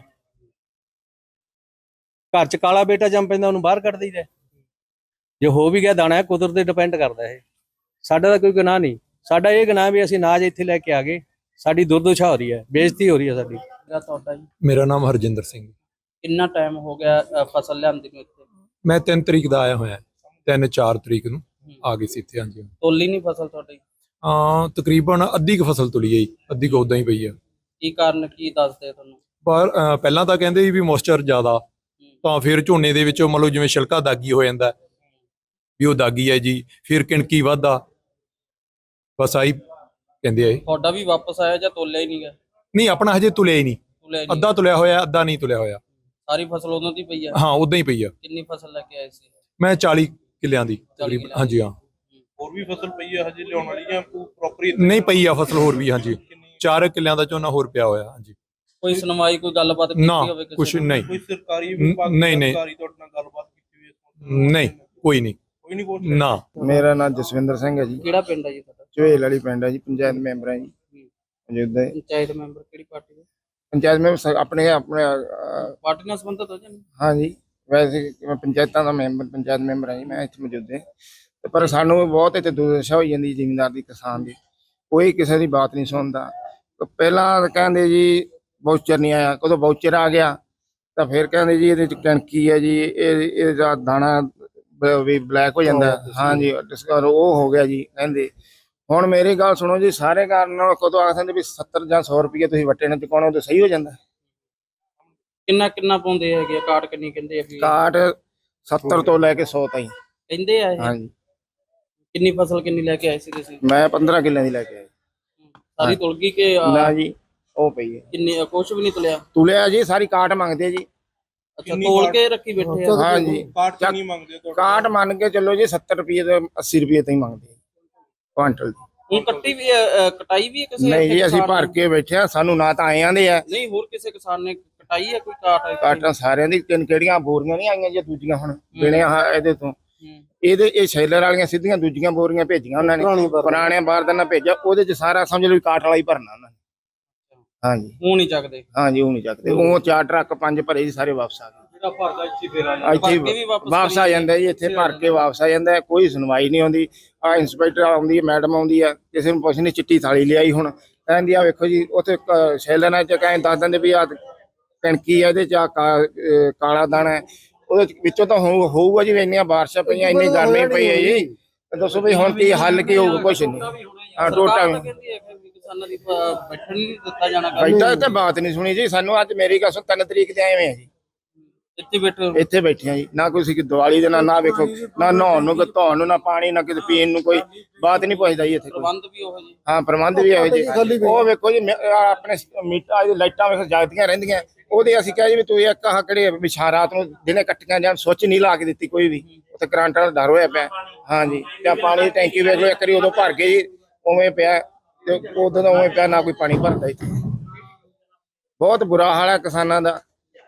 ਘਰ ਚ ਕਾਲਾ ਬੇਟਾ ਜੰਮ ਪੈਂਦਾ ਉਹਨੂੰ ਬਾਹਰ ਕੱਢ ਦਈਦਾ। ਜੇ ਹੋ ਵੀ ਗਿਆ ਦਾਣਾ, ਕੁਦਰਤ ਤੇ ਡਿਪੈਂਡ ਕਰਦਾ ਇਹ, ਸਾਡਾ ਤਾਂ ਕੋਈ ਗੁਨਾਹ ਨਹੀਂ। ਸਾਡਾ ਇਹ ਗੁਨਾਹ ਵੀ ਅਸੀਂ ਅਨਾਜ ਇੱਥੇ ਲੈ ਕੇ ਆ ਗਏ, ਸਾਡੀ ਦੁਰਦਸ਼ਾ ਹੋ ਰਹੀ ਹੈ, ਬੇਇੱਜ਼ਤੀ ਹੋ ਰਹੀ ਹੈ ਸਾਡੀ।
ਤੁਹਾਡਾ ਜੀ
ਮੇਰਾ ਨਾਮ ਹਰਜਿੰਦਰ ਸਿੰਘ।
ਕਿੰਨਾ ਟਾਈਮ ਹੋ ਗਿਆ ਫਸਲ ਲਿਆਂਦੀ ਨੂੰ ਇੱਥੇ?
ਮੈਂ 3 ਤਰੀਕ ਦਾ ਆਇਆ ਹੋਇਆ, 3-4 ਤਰੀਕ ਨੂੰ ਆ ਗਈ ਸੀ ਇੱਥੇ। ਹਾਂਜੀ
ਤੋਲੀ ਨਹੀਂ ਫਸਲ ਤੁਹਾਡੀ?
ਤਕਰੀਬਨ ਅੱਧੀ ਕੁ ਫਸਲ ਤੁਲੀ ਹੈ ਜੀ, ਅੱਧੀ ਕੁ ਉਦਾਂ ਹੀ ਪਈ ਆ।
ਕੀ ਕਾਰਨ ਕੀ ਦੱਸਦੇ ਤੁਹਾਨੂੰ?
ਪਰ ਪਹਿਲਾਂ ਤਾਂ ਕਹਿੰਦੇ ਸੀ ਵੀ ਮੋਇਸਚਰ ਜ਼ਿਆਦਾ, ਤਾਂ ਫਿਰ ਝੋਨੇ ਦੇ ਵਿੱਚੋਂ ਮੰਨ ਲਓ ਜਿਵੇਂ ਛਿਲਕਾ ਦਾਗੀ ਹੋ ਜਾਂਦਾ ਵੀ ਉਹ ਦਾਗੀ ਹੈ ਜੀ, ਫਿਰ ਕਿਣਕੀ ਵੱਧਦਾ, ਬਸ ਆਹੀ ਕਹਿੰਦੇ ਆ।
ਤੁਹਾਡਾ ਵੀ ਵਾਪਸ ਆਇਆ ਜਾਂ ਤੋਲਿਆ ਹੀ ਨਹੀਂ ਗਿਆ?
ਨਹੀਂ, ਆਪਣਾ ਹਜੇ ਤੁਲਿਆ ਹੀ ਨਹੀਂ,
ਤੋਲਿਆ ਨਹੀਂ?
ਅੱਧਾ ਤੁਲਿਆ ਹੋਇਆ, ਅੱਧਾ ਨਹੀਂ ਤੁਲਿਆ ਹੋਇਆ।
ਸਾਰੀ ਫਸਲ ਉਦੋਂ ਦੀ ਪਈ ਆ?
ਹਾਂ ਉਦਾਂ ਹੀ ਪਈ ਆ।
ਕਿੰਨੀ ਫਸਲ ਲੈ ਕੇ ਆਏ ਸੀ?
ਮੈਂ 40 ਕਿੱਲਿਆਂ ਦੀ
40
ਤਕਰੀਬਨ। ਹਾਂਜੀ ਹਾਂ,
ਹੋਰ ਵੀ ਫਸਲ ਪਈ ਹੈ ਹਜੇ ਲਿਆਉਣ ਵਾਲੀ ਜਾਂ ਪ੍ਰੋਪਰ?
ਨਹੀਂ ਪਈ ਆ ਫਸਲ ਹੋਰ ਵੀ। ਹਾਂਜੀ 4 ਕਿੱਲਿਆਂ ਦਾ ਝੋਨਾ ਹੋਰ ਪਿਆ ਹੋਇਆ। ਹਾਂਜੀ
ਕੋਈ ਸੁਣਵਾਈ ਕੋਈ ਗੱਲਬਾਤ ਕੀਤੀ
ਨਾ,
ਹੋਵੇ ਕਿਸੇ
ਕੁਛ
ਨਾਲ?
ਨਹੀਂ,
ਕੋਈ ਸਰਕਾਰੀ ਵਿਭਾਗ
ਨਹੀਂ, ਨਹੀਂ।
ਅਧਿਕਾਰੀ ਤੁਹਾਡੇ ਨਾਲ ਗੱਲਬਾਤ ਕੀਤੀ ਹੋਈ?
ਨਹੀਂ ਕੋਈ ਨਹੀਂ,
ਕੋਈ ਨਹੀਂ ਕੋਲ?
ਨਾ।
ਮੇਰਾ ਨਾਮ ਜਸਵਿੰਦਰ ਸਿੰਘ ਹੈ ਜੀ,
ਕਿਹੜਾ ਪਿੰਡ ਹੈ ਜੀ ਤੁਹਾਡਾ?
ਝਵੇਲ ਵਾਲੀ ਪਿੰਡ ਹੈ ਜੀ, ਪੰਚਾਇਤ ਮੈਂਬਰ ਹੈ ਜੀ ਮੌਜੂਦਾ।
ਪੰਚਾਇਤ ਮੈਂਬਰ ਕਿਹੜੀ ਪਾਰਟੀ ਦੇ?
ਪੰਚਾਇਤ ਮੈਂਬਰ ਆਪਣੇ
ਪਾਰਟੀ ਨਾਲ ਸੰਬੰਧਿਤ ਹੋ ਜਾਂ ਨਹੀਂ?
ਹਾਂ ਜੀ, ਵੈਸੇ ਮੈਂ ਪੰਚਾਇਤਾਂ ਦਾ ਮੈਂਬਰ, ਪੰਚਾਇਤ ਮੈਂਬਰ ਹਾਂ ਜੀ ਮੈਂ ਇੱਥੇ ਮੌਜੂਦਾ। ਤੇ ਪਰ ਸਾਨੂੰ ਬਹੁਤ ਇੱਥੇ ਦੁਰਦਸ਼ਾ ਹੋਈ ਜਾਂਦੀ ਜ਼ਿਮੀਂਦਾਰ ਦੀ, ਕਿਸਾਨ ਦੀ, ਕੋਈ ਕਿਸੇ ਦੀ ਬਾਤ ਨਹੀਂ ਸੁਣਦਾ। ਪਹਿਲਾਂ ਕਹਿੰਦੇ ਜੀ ਵਾਊਚਰ ਨਹੀਂ ਆਇਆ, ਕਦੋਂ ਵਾਊਚਰ ਆ ਗਿਆ ਤਾਂ ਫਿਰ ਕਹਿੰਦੇ ਜੀ ਇਹਦੇ ਚ ਕਣਕੀ ਹੈ ਜੀ, ਇਹਦਾ ਦਾਣਾ ਵੀ ਬਲੈਕ ਹੋ ਜਾਂਦਾ। ਹਾਂ ਜੀ, ਡਿਸਕਵਰ ਉਹ ਹੋ ਗਿਆ ਜੀ ਕਹਿੰਦੇ। ਹੁਣ ਮੇਰੀ ਗੱਲ ਸੁਣੋ ਜੀ, ਸਾਰੇ ਕਾਰਨ ਨਾਲ ਕਦੋਂ ਆਖਦੇ ਵੀ 70 ਜਾਂ 100 ਰੁਪਏ ਤੁਸੀਂ ਵੱਟੇ ਨਾਲ ਚੁਕਾਉਣਾ, ਉਹ ਤਾਂ ਸਹੀ ਹੋ ਜਾਂਦਾ।
ਕਿੰਨਾ ਕਿੰਨਾ ਪਾਉਂਦੇ ਹੈਗੇ ਆ? ਕਾਟ ਕਿੰਨੀ ਕਹਿੰਦੇ ਆ ਵੀ?
ਕਾਟ 70 ਤੋਂ ਲੈ ਕੇ 100 ਤਾਈਂ।
ਕਹਿੰਦੇ ਆ ਇਹ?
ਹਾਂ ਜੀ,
ਕਿੰਨੀ ਫਸਲ ਕਿੰਨੀ ਲੈ ਕੇ ਆਏ ਸੀ ਤੁਸੀਂ?
ਮੈਂ 15 ਕਿੱਲਿਆਂ ਦੀ ਲੈ ਕੇ ਆਇਆ।
ਸਾਰੀ ਤੁਲ ਗਈ ਕਿ
ਨਾ ਜੀ, ਉਹ ਪਈ ਹੈ
ਕਿੰਨੀ? ਕੁਛ ਵੀ ਨਹੀਂ ਤੁਲਿਆ?
ਤੁਲਿਆ ਜੀ, ਸਾਰੀ ਕਾਟ ਮੰਗਦੇ ਜੀ,
ਅੱਛਾ ਤੋਲ ਕੇ ਰੱਖੀ ਬੈਠੇ ਆ।
ਹਾਂ ਜੀ
ਕਾਟ ਕਿੰਨੀ ਮੰਗਦੇ ਆ ਤੁਹਾਡੇ
ਕਾਟ ਮੰਨ ਕੇ ਚੱਲੋ ਜੀ 70 ਰੁਪਏ ਤੋਂ 80 ਰੁਪਏ ਤਾਈਂ ਮੰਗਦੇ ਕੁਆਂਟਲ ਦੀ।
ਹੁਣ ਕੱਟੀ ਵੀ ਕਟਾਈ ਵੀ ਹੈ ਕਿਸੇ
ਨਹੀਂ
ਇੱਥੇ
ਜੀ ਅਸੀਂ
ਕਿਸਾਨ
ਭਰ
ਨੇ?
ਕੇ ਬੈਠੇ ਆ, ਸਾਨੂੰ ਨਾ ਤਾਂ ਆਏ ਆਂਦੇ ਆ
ਨਹੀਂ ਹੋਰ ਕਿਸੇ ਕਿਸਾਨ ਨੇ ਕਟਾਈ ਹੈ ਕੋਈ ਕਾਟ ਇੱਥੇ?
ਕਾਟਾਂ ਸਾਰਿਆਂ ਦੀ ਕਿਹੜੀਆਂ ਬੋਰੀਆਂ ਨਹੀਂ ਆਈਆਂ ਜੀ ਦੂਜੀਆਂ ਹੁਣ ਬਿਨੇ ਇਹਦੇ ਤੋਂ
ਹੂੰ।
ਇਹ ਸ਼ੈਲਰ ਵਾਲੀਆਂ ਸਿੱਧੀਆਂ ਦੂਜੀਆਂ ਬੋਰੀਆਂ ਭੇਜੀਆਂ ਉਹਨਾਂ ਨੇ, ਪੁਰਾਣੇ ਬਾਰਦਾਨਾ ਭੇਜਿਆ, ਉਹਦੇ ਚ ਸਾਰਾ ਸਮਝ ਲਓ ਵੀ ਕਾਟ ਵਾਲਾ ਹੀ ਭਰਨਾ ਉਹਨਾਂ ਨੇ। ਹਾਂਜੀ
ਉਹ ਨਹੀਂ ਚੱਕਦੇ
ਹਾਂਜੀ ਉਹ ਨਹੀਂ ਚੱਕਦੇ, ਉਹ 4 ਟਰੱਕ 5 ਭਰੇ ਜੀ ਸਾਰੇ ਵਾਪਸ ਆ ਗਏ।
ਜਿਹੜਾ ਭਰਦਾ ਇੱਥੇ ਫੇਰ ਆ
ਭਰ ਕੇ ਵੀ
ਇੱਥੇ
ਵਾਪਸ
ਵਾਪਸ ਆ ਜਾਂਦਾ ਜੀ, ਇੱਥੇ ਭਰ ਕੇ ਵਾਪਸ ਆ ਜਾਂਦਾ, ਕੋਈ ਸੁਣਵਾਈ ਨਹੀਂ ਆਉਂਦੀ। ਆ ਇੰਸਪੈਕਟਰ ਆਉਂਦੀ ਹੈ, ਮੈਡਮ ਆਉਂਦੀ ਆ, ਕਿਸੇ ਨੂੰ ਪੁੱਛਣੀ ਚਿੱਟੀ ਥਾਲੀ ਲਿਆਈ, ਹੁਣ ਕਹਿੰਦੀ ਆ ਵੇਖੋ ਜੀ ਉੱਥੇ ਸ਼ੈਲਰਾਂ ਚ ਕਹਿੰਦੇ ਦੱਸ ਦਿੰਦੇ ਵੀ ਆ ਕਣਕੀ ਆ, ਇਹਦੇ ਚ ਕਾਲਾ ਦਾਣਾ ਹੈ, ਉਹਦੇ ਵਿੱਚੋਂ ਤਾਂ ਹੋਊਗਾ ਜੀ। ਇੰਨੀਆਂ ਬਾਰਿਸ਼ਾਂ ਪਈਆਂ, ਇੰਨੀ ਗਰਮੀ ਪਈ ਹੈ ਜੀ, ਦੱਸੋ ਵੀ ਹੁਣ ਕੀ ਹੱਲ ਕੀ ਹੋਊਗਾ? ਕੁਛ ਨਹੀਂ। ਹਾਂ ਟੋਟਾ
ਸਰਕਾਰ ਤਾਂ ਕਹਿੰਦੀ ਹੈ ਕਿ ਕਿਸਾਨਾਂ ਦੀ ਬੈਠਣ ਨਹੀਂ ਦਿੱਤਾ ਜਾਣਾ ਗਾ।
ਬੈਠਾ ਤੇ ਬਾਤ ਨਹੀਂ ਸੁਣੀ ਜੀ ਸਾਨੂੰ। ਅੱਜ ਮੇਰੀ ਗੱਲ ਸੁਣ 3 ਤਰੀਕ ਤੇ ਆਏ ਹੋਏ ਆ ਜੀ,
ਇੱਥੇ ਬੈਠੇ
ਇੱਥੇ ਬੈਠੇ ਆ ਜੀ, ਨਾ ਕੋਈ ਦੀਵਾਲੀ ਦੇ ਨਾ ਵੇਖੋ, ਨਾ ਨਹਾਉਣ ਨੂੰ, ਧੋਣ ਨੂੰ, ਨਾ ਪਾਣੀ, ਨਾ ਕਿਤੇ ਪੀਣ ਨੂੰ, ਕੋਈ ਬਾਤ ਨਹੀਂ ਪੁੱਛਦਾ ਜੀ ਇੱਥੇ ਕੋਈ।
ਪ੍ਰਬੰਧ ਵੀ ਉਹ ਜੀ।
ਹਾਂ ਪ੍ਰਬੰਧ ਵੀ ਇਹੋ ਜਿਹੇ। ਉਹ ਵੇਖੋ ਜੀ ਆਪਣੇ ਮੀਟਰ ਲਾਈਟਾਂ ਵੇਖੋ ਜਗਦੀਆਂ ਰਹਿੰਦੀਆਂ, ਉਹਦੇ ਅਸੀਂ ਕਿਹਾ ਜੀ ਵੀ ਤੂੰ ਇੱਕ ਆਹ ਕਿਹੜੇ ਵਿਛਾ ਰਾਤ ਨੂੰ ਦਿਨੇ ਕੱਟੀਆਂ ਜਾਂ ਸੁੱਚ ਨਹੀਂ ਲਾ ਕੇ ਦਿੱਤੀ ਕੋਈ ਵੀ, ਉੱਥੇ ਕਰੰਟ ਦਾ ਡਰ ਹੋਇਆ ਪਿਆ। ਹਾਂਜੀ ਤੇ ਪਾਣੀ ਦੀ ਟੈਂਕੀ ਵੇਖ ਲਓ, ਇੱਕ ਵਾਰੀ ਉਦੋਂ ਭਰ ਗਈ ਜੀ, ਉਵੇਂ ਪਿਆ ਤੇ ਉਦੋਂ ਦਾ ਉਵੇਂ ਪਿਆ, ਨਾ ਕੋਈ ਪਾਣੀ ਭਰਦਾ ਇੱਥੇ। ਬਹੁਤ ਬੁਰਾ ਹਾਲ ਹੈ ਕਿਸਾਨਾਂ ਦਾ,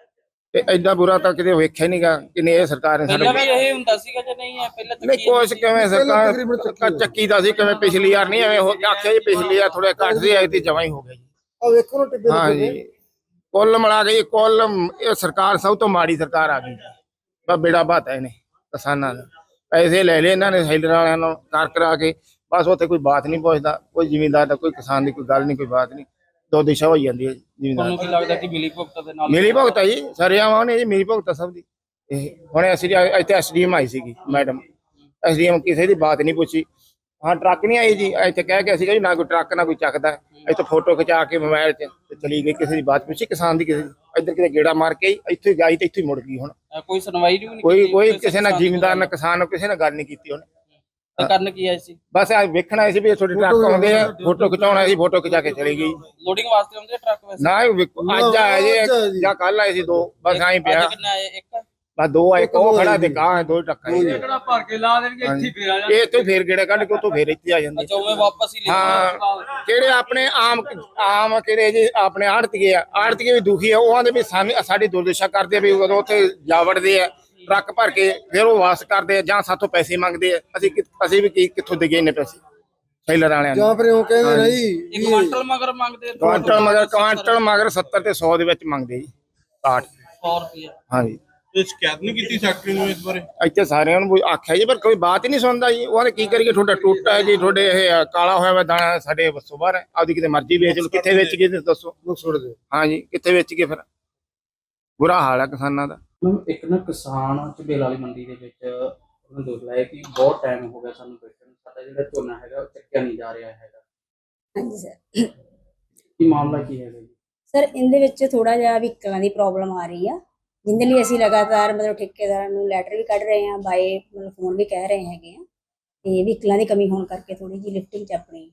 ਤੇ ਐਡਾ ਬੁਰਾ ਤਾਂ ਕਿਤੇ ਵੇਖਿਆ ਨਹੀਂਗਾ ਕਿ ਇਹ ਸਰਕਾਰ ਨੇ
ਪਹਿਲਾਂ ਵੀ
ਸਾਡੇ
ਇਹ ਹੁੰਦਾ ਸੀਗਾ ਜਾਂ ਨਹੀਂ ਹੈ? ਪਹਿਲਾਂ
ਨਹੀਂ ਕੁਛ ਕਿਵੇਂ ਸਰਕਾਰ ਚੱਕੀ ਦਾ ਸੀ, ਕਿਵੇਂ ਪਿਛਲੀ ਵਾਰ ਨਹੀਂ ਐਵੇਂ ਆਖਿਆ ਜੀ, ਪਿਛਲੀ ਵਾਰ ਥੋੜੇ ਘੱਟ ਸੀ, ਆਈ ਤੇ ਜਮਾਂ ਹੀ ਹੋ ਗਿਆ ਜੀ। ਹਾਂ ਜੀ ਕੁੱਲ ਮਿਲਾ ਕੇ ਕੁੱਲ ਇਹ ਸਰਕਾਰ ਸਭ ਤੋਂ ਮਾੜੀ ਸਰਕਾਰ ਆ ਗਈ, ਬਸ ਬੇੜਾ ਬਾਤਾ ਇਹਨੇ ਕਿਸਾਨਾਂ ਦਾ। ਪੈਸੇ ਲੈ ਲਏ ਇਹਨਾਂ ਨੇ ਸੈਲਰ ਵਾਲਿਆਂ ਨੂੰ ਕਰਾ ਕੇ, ਬਸ ਉੱਥੇ ਕੋਈ ਬਾਤ ਨਹੀਂ ਪੁੱਛਦਾ, ਕੋਈ ਜ਼ਿਮੀਂਦਾਰ ਦਾ, ਕੋਈ ਕਿਸਾਨ ਦੀ ਕੋਈ ਗੱਲ ਨਹੀਂ, ਕੋਈ ਬਾਤ ਨਹੀਂ, ਦੋ ਦਿਸ਼ਾ ਹੋਈ ਜਾਂਦੀ ਹੈ ਜ਼ਿਮੀਂਦਾਰ।
ਤੁਹਾਨੂੰ ਕੀ ਲੱਗਦਾ ਕਿ ਮਿਲੀ ਭੁਗਤ ਦੇ ਨਾਲ
ਮਿਲੀ ਭੁਗਤ ਹੈ ਜੀ, ਸਰਿਆਵਾਂ ਨੇ ਜੀ ਮਿਲੀ ਭੁਗਤ ਆ ਸਭ ਦੀ। ਇਹ ਹੁਣ ਅਸੀਂ ਇੱਥੇ ਐਸਡੀਐਮ ਆਈ ਸੀਗੀ ਮੈਡਮ, ਐਸਡੀਐਮ ਕਿਸੇ ਦੀ ਬਾਤ ਨਹੀਂ ਪੁੱਛੀ। ਹਾਂ ਟਰੱਕ ਨਹੀਂ ਆਈ ਜੀ, ਇੱਥੇ ਕਹਿ ਕੇ ਅਸੀਂ ਜੀ ਨਾ ਕੋਈ ਟਰੱਕ ਨਾ ਕੋਈ ਚੱਕਦਾ, ਇੱਥੇ ਫੋਟੋ ਖਿਚਾ ਕੇ ਮੋਬਾਈਲ 'ਚ ਤੇ ਚਲੀ ਗਈ, ਕਿਸੇ ਦੀ ਬਾਤ ਪੁੱਛੀ ਕਿਸਾਨ ਦੀ, ਕਿਸੇ ਦੀ ਇੱਧਰ ਕਿਤੇ ਗੇੜਾ ਮਾਰ ਕੇ ਇੱਥੇ ਗਈ ਤੇ ਇੱਥੇ ਹੀ ਮੁੜ ਗਈ। ਹੁਣ
ਕੋਈ ਸੁਣਵਾਈ ਵੀ ਨਹੀਂ
ਕੋਈ ਕਿਸੇ ਨਾਲ ਜ਼ਿਮੀਂਦਾਰ ਨਾਲ ਕਿਸਾਨ ਨਾਲ ਕਿਸੇ ਨਾਲ ਗੱਲ ਨਹੀਂ ਕੀਤੀ ਉਹਨੇ।
ਤੇ ਕਰਨ ਕੀ ਆਏ ਸੀ?
ਬਸ ਆ ਵੇਖਣਾ ਸੀ ਵੀ ਤੁਹਾਡੇ ਟਰੱਕ ਆਉਂਦੇ ਆ, ਫੋਟੋ ਖਿਚਾਉਣਾ ਸੀ, ਫੋਟੋ ਖਿਚਾ ਕੇ ਚਲੀ ਗਈ।
ਲੋਡਿੰਗ ਵਾਸਤੇ ਆਉਂਦੇ ਆ ਟਰੱਕ ਵੈਸੇ?
ਨਾ ਅੱਜ ਆਏ ਜੀ ਜਾਂ ਕੱਲ ਆਏ ਸੀ 2, ਬਸ ਆਈ ਪਿਆ।
ਅੱਜ ਕਿੰਨੇ ਆਏ? ਇੱਕ
ਬਸ 2 ਆਏ, ਉਹ ਖੜਾ ਤੇ ਗਾਂ 2 ਟਰੱਕ ਆਏ।
ਜਿਹੜਾ ਭਰ ਕੇ ਲਾ ਦੇਣਗੇ ਇੱਥੇ ਫੇਰ ਆ
ਇਹ ਇੱਥੇ ਫੇਰ ਗੇੜਾ ਕੱਢ ਕੇ ਉੱਥੋਂ ਫੇਰ ਇੱਥੇ ਆ ਜਾਂਦੇ।
ਅੱਛਾ ਉਵੇਂ ਵਾਪਸ ਹੀ ਲੈ
ਹਾਂ ਕਿਹੜੇ ਆਪਣੇ ਆਮ ਕਿਹੜੇ ਜੀ ਆਪਣੇ ਆੜਤੀਏ ਆ, ਆੜਤੀਏ ਵੀ ਦੁਖੀ ਆ, ਉਹ ਆਂਦੇ ਵੀ ਸਾਡੀ ਦੁਰਦਸ਼ਾ ਕਰਦੇ ਆ ਵੀ ਉਦੋਂ ਉੱਥੇ ਜਾ ਵੜਦੇ ਆ ਟਰੱਕ ਭਰ ਕੇ, ਫਿਰ ਉਹ ਵਾਪਸ ਕਰਦੇ ਆ ਜਾਂ ਸਾਥੋਂ ਪੈਸੇ ਮੰਗਦੇ ਆ। ਅਸੀਂ ਵੀ ਕਿੱਥੋਂ ਦੇ ਗਏ ਨੇ ਪੈਸੇ ਸੈਲਰ ਵਾਲਿਆਂ ਨੂੰ?
ਜਾਂ ਫਿਰ ਉਹ ਕਹਿੰਦੇ ਨਹੀਂ
ਇੱਕ ਕੁਆਂਟਲ ਮਗਰ ਮੰਗਦੇ ਆ?
ਕੁਆਂਟਲ ਮਗਰ 70 ਤੇ 100 ਦੇ ਵਿੱਚ ਮੰਗਦੇ ਜੀ 60।
100 ਰੁਪਏ।
ਹਾਂਜੀ
ਇਹ ਸ਼ਿਕਾਇਤ ਨਹੀਂ ਕੀਤੀ ਫੈਕਟਰੀ ਨੂੰ ਇਸ ਬਾਰੇ?
ਇੱਥੇ ਸਾਰਿਆਂ ਨੂੰ ਆਖਿਆ ਜੀ, ਪਰ ਕੋਈ ਬਾਤ ਹੀ ਨਹੀਂ ਸੁਣਦਾ ਜੀ। ਉਹਨੇ ਕੀ ਕਰੀਏ, ਤੁਹਾਡਾ ਟੁੱਟਾ ਹੈ ਜੀ, ਤੁਹਾਡੇ ਇਹ ਕਾਲਾ ਹੋਇਆ ਵਾ ਦਾਣਾ, ਸਾਡੇ ਵੱਸੋਂ ਬਾਹਰ ਹੈ, ਆਪਦੀ ਕਿਤੇ ਮਰਜ਼ੀ ਵੇਚ ਲਓ। ਕਿੱਥੇ ਵੇਚ ਗਏ ਦੱਸੋ? ਹਾਂਜੀ ਕਿੱਥੇ ਵੇਚ ਗਏ? ਫਿਰ ਬੁਰਾ ਹਾਲ ਹੈ ਕਿਸਾਨਾਂ ਦਾ।
ਇੱਕ ਨਾ ਕਿਸਾਨ ਝਬੇਲ ਵਾਲੀ ਮੰਡੀ ਦੇ ਵਿੱਚ ਉਹਨੇ ਦੋਸ਼ ਲਾਇਆ ਕਿ ਬਹੁਤ ਟਾਈਮ ਹੋ ਗਿਆ ਸਾਨੂੰ ਬੈਠਣ ਨੂੰ, ਸਾਡਾ ਜਿਹੜਾ ਝੋਨਾ ਹੈਗਾ ਉਹ ਚੱਕਿਆ ਨਹੀਂ ਜਾ ਰਿਹਾ ਹੈਗਾ।
ਹਾਂਜੀ ਸਰ।
ਕੀ ਮਾਮਲਾ ਕੀ ਹੈਗਾ ਜੀ?
ਸਰ ਇਹਦੇ ਵਿੱਚ ਥੋੜਾ ਜਿਹਾ ਵਹੀਕਲਾਂ ਦੀ ਪ੍ਰੋਬਲਮ ਆ ਰਹੀ ਆ, ਜਿੰਦੇ ਲਈ ਅਸੀਂ ਲਗਾਤਾਰ ਮਤਲਬ ਠੇਕੇਦਾਰਾਂ ਨੂੰ ਲੈਟਰ ਵੀ ਕੱਢ ਰਹੇ ਹਾਂ, ਬਾਏ ਮਤਲਬ ਫੋਨ ਵੀ ਕਹਿ ਰਹੇ ਹੈਗੇ ਆ, ਤੇ ਵਹੀਕਲਾਂ ਦੀ ਕਮੀ ਹੋਣ ਕਰਕੇ ਥੋੜੀ ਜਿਹੀ ਲਿਫਟਿੰਗ 'ਚ ਆਪਣੀ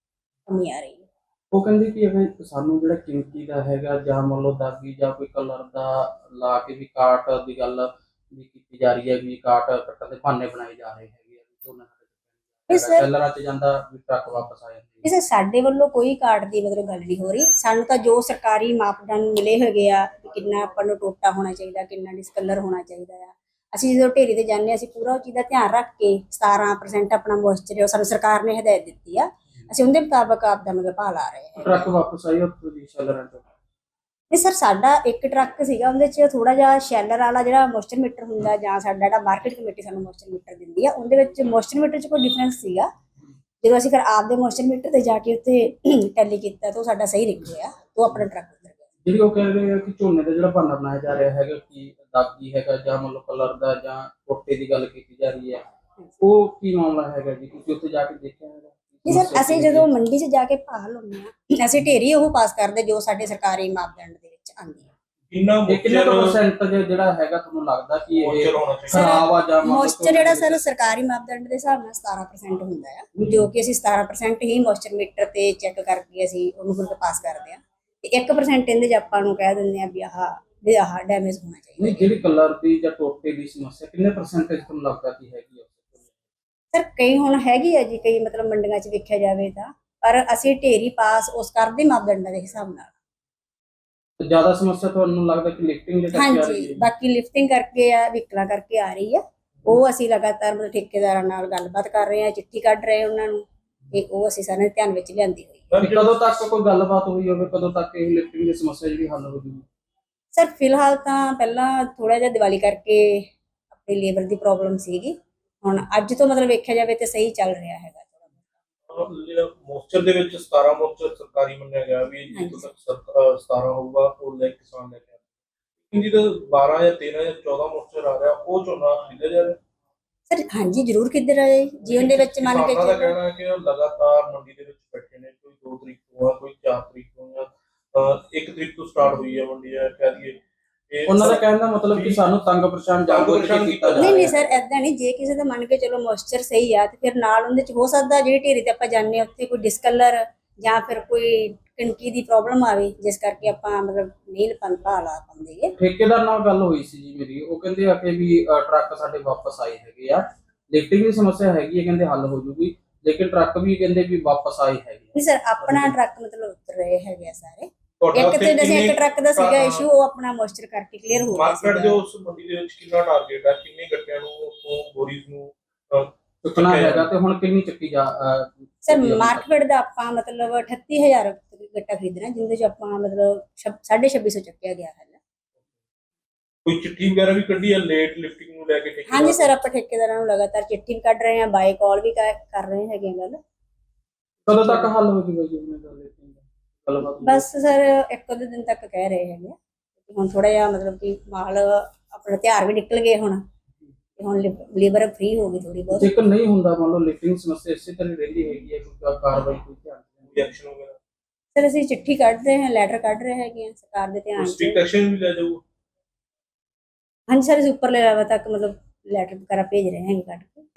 ਕਮੀ ਆ ਰਹੀ ਹੈ।
ਉਹ ਕਹਿੰਦੇ ਕਿ ਇਹ ਸਾਨੂੰ ਜਿਹੜਾ ਕੀਮਤੀ ਦਾ ਹੈਗਾ ਜਾਂ ਮੰਨ ਲਓ ਦਾਗੀ ਜਾਂ ਕੋਈ ਕਲਰ ਦਾ ਲਾ ਕੇ ਵੀ ਕਾਟ ਦੀ ਗੱਲ ਵੀ ਕੀਤੀ ਜਾ ਰਹੀ ਹੈ, ਵੀ ਕਾਟ ਕੱਟਣ ਦੇ ਬਹਾਨੇ ਬਣਾਏ ਜਾ ਰਹੇ ਹੈਗੇ ਆ, ਝੋਨਾ ਸੈਲਰਾਂ 'ਚ ਜਾਂਦਾ ਵੀ ਟਰੱਕ ਵਾਪਸ ਆ ਜਾਂਦੇ।
ਇਸ ਸਾਡੇ ਵੱਲੋਂ ਕੋਈ ਕਾਟ ਦੀ ਮਤਲਬ ਗੱਲ ਨਹੀਂ ਹੋ ਰਹੀ, ਸਾਨੂੰ ਤਾਂ ਜੋ ਸਰਕਾਰੀ ਮਾਪਦੰਡ ਮਿਲੇ ਹੈਗੇ ਆ, ਕਿੰਨਾ ਆਪਾਂ ਨੂੰ ਟੋਟਾ ਹੋਣਾ ਚਾਹੀਦਾ, ਕਿੰਨਾ ਡਿਸਕਲਰ ਹੋਣਾ ਚਾਹੀਦਾ ਆ, ਅਸੀਂ ਜਦੋਂ ਢੇਰੀ ਤੇ ਜਾਂਦੇ ਹਾਂ ਅਸੀਂ ਪੂਰਾ ਉਹ ਚੀਜ਼ ਦਾ ਧਿਆਨ ਰੱਖ ਕੇ 17% ਆਪਣਾ ਮੋਇਸਚਰ ਹੈ ਸਾਨੂੰ ਸਰਕਾਰ ਨੇ ਹਦਾਇਤ ਦਿੱਤੀ ਆ, ਅਸੀਂ ਉਹਦੇ ਮੁਤਾਬਕ ਆਪਦਾ ਮਤਲਬ ਭਾਅ ਲਾ ਰਹੇ ਹਾਂ।
ਟਰੱਕ ਵਾਪਸ ਆਈ ਉੱਥੋਂ ਦੀ ਸ਼ੈਲਰਾਂ ਤੋਂ?
ਨਹੀਂ ਸਰ, ਸਾਡਾ ਇੱਕ ਟਰੱਕ ਸੀਗਾ, ਉਹਦੇ 'ਚ ਥੋੜਾ ਜਿਹਾ ਸ਼ੈਲਰ ਵਾਲਾ ਜਿਹੜਾ ਮੋਇਸਚਰ ਮੀਟਰ ਹੁੰਦਾ ਜਾਂ ਸਾਡਾ ਜਿਹੜਾ ਮਾਰਕੀਟ ਕਮੇਟੀ ਸਾਨੂੰ ਮੋਇਸਚਰ ਮੀਟਰ ਦਿੰਦੀ ਆ, ਉਹਦੇ ਵਿੱਚ ਮੋਇਸਚਰ ਮੀਟਰ 'ਚ ਕੋਈ ਡਿਫਰੈਂਸ ਸੀਗਾ। ਜਦੋਂ ਅਸੀਂ ਫਿਰ ਆਪਦੇ ਮੋਇਸਚਰ ਮੀਟਰ ਤੇ ਜਾ ਕੇ ਉੱਥੇ ਟੈਲੀ ਕੀਤਾ ਤਾਂ ਉਹ ਸਾਡਾ ਸਹੀ ਨਿਕਲਿਆ, ਉਹ ਆਪਣਾ ਟਰੱਕ ਉੱਤਰ ਗਿਆ।
ਜਿਹੜੀ ਉਹ ਕਹਿ ਰਹੇ ਆ ਕਿ ਝੋਨੇ ਦਾ ਜਿਹੜਾ ਬਹਾਨਾ ਬਣਾਇਆ ਜਾ ਰਿਹਾ ਹੈਗਾ ਕਿ ਦਾਗੀ ਹੈਗਾ ਜਾਂ ਮਤਲਬ ਕਲਰ ਦਾ ਜਾਂ ਟੋਟੇ ਦੀ ਗੱਲ ਕੀਤੀ ਜਾ ਰਹੀ ਹੈ, ਉਹ ਕੀ ਮਾਮਲਾ ਹੈਗਾ ਜੀ? ਤੁਸੀਂ ਉੱਥੇ ਜਾ ਕੇ ਦੇਖਿਆ ਹੈਗਾ?
ਜੀ ਸਰ, ਅਸੀਂ ਜਦੋਂ ਮੰਡੀ 'ਚ ਜਾ ਕੇ ਭਾਅ ਲਾਉਂਦੇ ਹਾਂ ਅਸੀਂ ਢੇਰੀ ਉਹ ਪਾਸ ਕਰਦੇ ਜੋ ਸਾਡੇ ਸਰਕਾਰੀ ਮਾਪਦੰਡ ਦੇ ਵਿੱਚ ਆਉਂਦੀ ਹੈ।
ਕਿੰਨਾ ਪਰਸੈਂਟੇਜ ਜਿਹੜਾ ਹੈਗਾ ਤੁਹਾਨੂੰ ਲੱਗਦਾ ਕਿ ਇਹ ਖਰਾਬ ਆ ਜਾਂ
ਮੋਇਸਚਰ ਜਿਹੜਾ ਸਰ ਸਰਕਾਰੀ ਮਾਪਦੰਡ ਦੇ ਹਿਸਾਬ ਨਾਲ 17% ਹੁੰਦਾ ਹੈ, ਜੋ ਕਿ ਅਸੀਂ 17% ਹੀ ਮੋਇਸਚਰ ਮੀਟਰ ਤੇ ਚੈੱਕ ਕਰਕੇ ਅਸੀਂ ਉਹਨੂੰ ਫਿਰ ਪਾਸ ਕਰਦੇ ਹਾਂ, ਤੇ 1% ਇਹਦੇ 'ਚ ਆਪਾਂ ਨੂੰ ਕਹਿ ਦਿੰਦੇ ਆ ਵੀ ਆਹ ਵੀ ਆਹ ਡੈਮੇਜ ਹੋਣਾ ਚਾਹੀਦਾ।
ਨਹੀਂ, ਜਿਹੜੀ ਕਲਰ ਦੀ ਜਾਂ ਟੋਟੇ ਦੀ ਸਮੱਸਿਆ ਕਿੰਨੇ ਪਰਸੈਂਟੇਜ ਤੁਹਾਨੂੰ ਲੱਗਦਾ ਕਿ ਹੈਗੀ ਆ?
ਸਰ ਕਈ ਹੁਣ ਹੈਗੀ ਆ ਜੀ, ਕਈ ਮਤਲਬ ਮੰਡੀਆਂ 'ਚ ਵੇਖਿਆ ਜਾਵੇ ਤਾਂ, ਪਰ ਅਸੀਂ ਢੇਰੀ ਪਾਸ ਉਸ ਕਰਦੇ ਮਾਪਦੰਡਾਂ ਦੇ ਹਿਸਾਬ ਨਾਲ।
ਤੇ ਜ਼ਿਆਦਾ ਸਮੱਸਿਆ ਤੁਹਾਨੂੰ ਲੱਗਦਾ ਕਿ ਲਿਫਟਿੰਗ ਦੇ ਕਰਕੇ ਆ ਰਹੀ
ਹਾਂਜੀ,
ਹੈ?
ਬਾਕੀ ਲਿਫਟਿੰਗ ਕਰਕੇ ਆ, ਵਹੀਕਲਾਂ ਕਰਕੇ ਆ ਰਹੀ ਆ। ਉਹ ਅਸੀਂ ਲਗਾਤਾਰ ਮਤਲਬ ਠੇਕੇਦਾਰਾਂ ਨਾਲ ਗੱਲਬਾਤ ਕਰ ਰਹੇ ਆ, ਚਿੱਠੀ ਕੱਢ ਰਹੇ ਉਹਨਾਂ ਨੂੰ, ਤੇ ਉਹ ਅਸੀਂ ਸਾਰੇ ਧਿਆਨ ਵਿੱਚ ਲਿਆਂਦੀ ਹੋਈ।
ਵੀ ਕਦੋਂ ਤੱਕ ਕੋਈ ਗੱਲਬਾਤ ਹੋਈ ਹੋਵੇ, ਕਦੋਂ ਤੱਕ ਇਹ ਲਿਫਟਿੰਗ ਦੀ ਸਮੱਸਿਆ ਜਿਹੜੀ ਹੱਲ ਹੋ ਜੂਗੀ?
ਸਰ ਫਿਲਹਾਲ ਤਾਂ ਪਹਿਲਾਂ ਥੋੜਾ ਜਿਹਾ ਦੀਵਾਲੀ ਕਰਕੇ ਆਪਣੀ ਲੇਬਰ ਦੀ ਪ੍ਰੋਬਲਮ ਸੀਗੀ, ਹੁਣ ਅੱਜ ਤੋਂ ਮਤਲਬ ਵੇਖਿਆ ਜਾਵੇ ਤੇ ਸਹੀ ਚੱਲ ਰਿਹਾ ਹੈਗਾ।
ਮੋਸਚਰ ਦੇ ਵਿੱਚ 17 ਮੋਸਚਰ ਸਰਕਾਰੀ ਮੰਨਿਆ ਗਿਆ ਵੀ ਜਿੱਥੋਂ ਤੱਕ 17 ਹੋਊਗਾ ਉਹ ਲੈ ਕਿਸਾਨ ਲੈ ਕੇ ਜਿਹਦਾ 12 ਜਾਂ 13 ਜਾਂ 14 ਮੋਸਚਰ ਆ ਰਿਹਾ ਉਹ ਝੋਨਾ ਖਰੀਦਿਆ ਜਾ ਰਿਹਾ।
ਸਰ ਹਾਂਜੀ ਜ਼ਰੂਰ ਕਿੱਧਰ ਆਏ ਜੀਵਨ ਦੇ ਵਿੱਚ ਮੰਨ ਕੇ
ਕਿਸਾਨਾਂ ਦਾ
ਚੱਲੋ।
ਕਹਿਣਾ ਹੈ ਕਿ ਉਹ ਲਗਾਤਾਰ ਮੰਡੀ ਦੇ ਵਿੱਚ ਬੈਠੇ ਨੇ, ਕੋਈ 2 ਤਰੀਕ ਤੋਂ ਆ, ਕੋਈ 4 ਤਰੀਕ ਤੋਂ ਜਾਂ 1 ਤਰੀਕ ਤੋਂ ਸਟਾਰਟ ਹੋਈ ਹੈ ਮੰਡੀ, ਹੈ ਕਹਿ ਦਈਏ।
ਉਹਨਾਂ ਦਾ ਕਹਿਣ ਦਾ ਮਤਲਬ ਕਿ ਸਾਨੂੰ ਤੰਗ ਪਰੇਸ਼ਾਨ ਜਾਗੋ ਕੀਤਾ ਜਾ
ਨਹੀਂ
ਰਿਹਾ।
ਸਰ ਐਦਾਂ ਨਹੀਂ, ਜੇ ਕਿਸੇ ਦਾ ਮੰਨ ਕੇ ਚਲੋ ਮੋਇਸਚਰ ਸਹੀ ਆ ਤੇ ਫਿਰ ਨਾਲ ਉਹਦੇ ਚ ਹੋ ਸਕਦਾ ਜਿਹੜੀ ਢੇਰੀ ਤੇ ਆਪਾਂ ਜਾਂਦੇ ਹਾਂ ਉੱਥੇ ਕੋਈ ਡਿਸਕਲਰ ਜਾਂ ਫਿਰ ਕੋਈ ਕਣਕੀ ਦੀ ਪ੍ਰੋਬਲਮ ਆਵੇ, ਜਿਸ ਕਰਕੇ ਆਪਾਂ ਮਤਲਬ ਨਹੀਂ ਭਾਅ ਲਾ ਪਾਉਂਦੇ।
ਠੇਕੇਦਾਰ ਨਾਲ ਗੱਲ ਹੋਈ ਸੀ ਜੀ ਮੇਰੀ, ਉਹ ਕਹਿੰਦੇ ਆ ਕਿ ਵੀ ਟਰੱਕ ਸਾਡੇ ਵਾਪਸ ਆਏ ਹੈਗੇ ਆ, ਲਿਫਟਿੰਗ ਦੀ ਸਮੱਸਿਆ ਹੈਗੀ ਹੈ, ਕਹਿੰਦੇ ਹੱਲ ਹੋ ਜੂਗੀ, ਲੇਕਿਨ ਟਰੱਕ ਵੀ ਕਹਿੰਦੇ ਵੀ ਵਾਪਸ ਆਏ ਹੈਗੇ।
ਨਹੀਂ ਸਰ ਆਪਣਾ ਟਰੱਕ ਮਤਲਬ ਉਤਰ ਰਹੇ ਹੈਗੇ ਆ ਸਾਰੇ।
ਤੁਹਾਡਾ
ਇੱਕ
ਉੱਥੇ
ਤੇ ਜਿਵੇਂ
ਕਿੰਨੇ
ਇੱਕ ਟਰੱਕ ਦਾ ਸੀਗਾ ਇਸ਼ੂ, ਉਹ ਆਪਣਾ ਮੋਇਸਚਰ ਕਰਕੇ ਕਲੀਅਰ ਹੋ ਗਿਆ
ਮਾਰਕੀਟ ਦੇ
ਸੀਗਾ।
ਉਸ ਮੰਡੀ ਦੇ ਵਿੱਚ ਕਿੰਨਾ ਟਾਰਗੇਟ ਹੈ, ਕਿੰਨੇ ਗੱਟਿਆਂ ਨੂੰ ਉਸੋਂ ਬੋਰੀਜ਼ ਨੂੰ
ਚੁੱਕਣਾ ਹੈਗਾ ਤੇ ਹੁਣ ਕਿੰਨੀ ਚੱਕੀ ਜਾ
ਸਰ ਮਾਰਕੀਟ ਦਾ ਆਪਾਂ ਮਤਲਬ 38000 ਗੱਟਾ ਖਰੀਦਣਾ, ਜਿੰਦੇ ਚ ਆਪਾਂ ਮਤਲਬ 2650 ਚੱਕਿਆ ਗਿਆ ਹੈ।
ਕੋਈ ਚਿੱਠੀ ਵਗੈਰਾ ਵੀ ਕੱਢੀ ਹੈ ਲੇਟ ਲਿਫਟਿੰਗ ਨੂੰ ਲੈ ਕੇ ਠੇਕੇਦਾਰ?
ਹਾਂਜੀ ਸਰ ਆਪਾਂ ਠੇਕੇਦਾਰਾਂ ਨੂੰ ਲਗਾਤਾਰ ਚਿੱਠੀ ਵੀ ਕੱਢ ਰਹੇ ਹਾਂ, ਬਾਈ ਕਾਲ ਵੀ ਕਰ ਰਹੇ ਹੈਗੇ ਆ ਗੱਲ।
ਕਦੋਂ ਤੱਕ ਹੱਲ ਹੋ ਜੂਗਾ ਜੀ ਉਹਨਾਂ ਦਾ ਲਿਫਟਿੰਗ ਦਾ ਗੱਲਬਾਤ?
ਬਸ ਸਰ ਇੱਕ ਦੋ ਦਿਨ ਤੱਕ ਕਹਿ ਰਹੇ ਹੈਗੇ ਆ। ਹੁਣ ਥੋੜਾ ਜਿਹਾ ਮਤਲਬ ਕਿ ਮਾਲ ਆਪਣਾ ਤਿਉਹਾਰ ਵੀ ਨਿਕਲ ਗਏ ਹੁਣ, ਤੇ ਹੁਣ ਲੇਬਰ ਫ੍ਰੀ ਹੋ ਗਈ ਥੋੜੀ ਬਹੁਤ।
ਜੇਕਰ ਨਹੀਂ ਹੁੰਦਾ ਮੰਨ ਲਓ ਲਿਫਟਿੰਗ ਸਮੱਸਿਆ ਇਸੇ ਤਰ੍ਹਾਂ ਰਹਿੰਦੀ ਹੈਗੀ ਹੈ, ਕੋਈ ਕਾਰਵਾਈ ਕੋਈ ਧਿਆਨ
ਰਿਐਕਸ਼ਨ ਵਗੈਰਾ
ਸਰ ਅਸੀਂ ਚਿੱਠੀ ਕੱਢ ਰਹੇ ਹਾਂ, ਲੈਟਰ ਕੱਢ ਰਹੇ ਹੈਗੇ ਆ ਸਰਕਾਰ ਦੇ ਧਿਆਨ 'ਚ।
ਸਟ੍ਰਿਕਟ ਐਕਸ਼ਨ ਵੀ ਲੈ ਜਾਊਗਾ?
ਹਾਂਜੀ ਸਰ ਅਸੀਂ ਉੱਪਰਲੇ ਲੈਵਲ ਤੱਕ ਮਤਲਬ ਲੈਟਰ ਵਗੈਰਾ ਭੇਜ ਰਹੇ ਹੈਗੇ ਕੱਢ ਕੇ।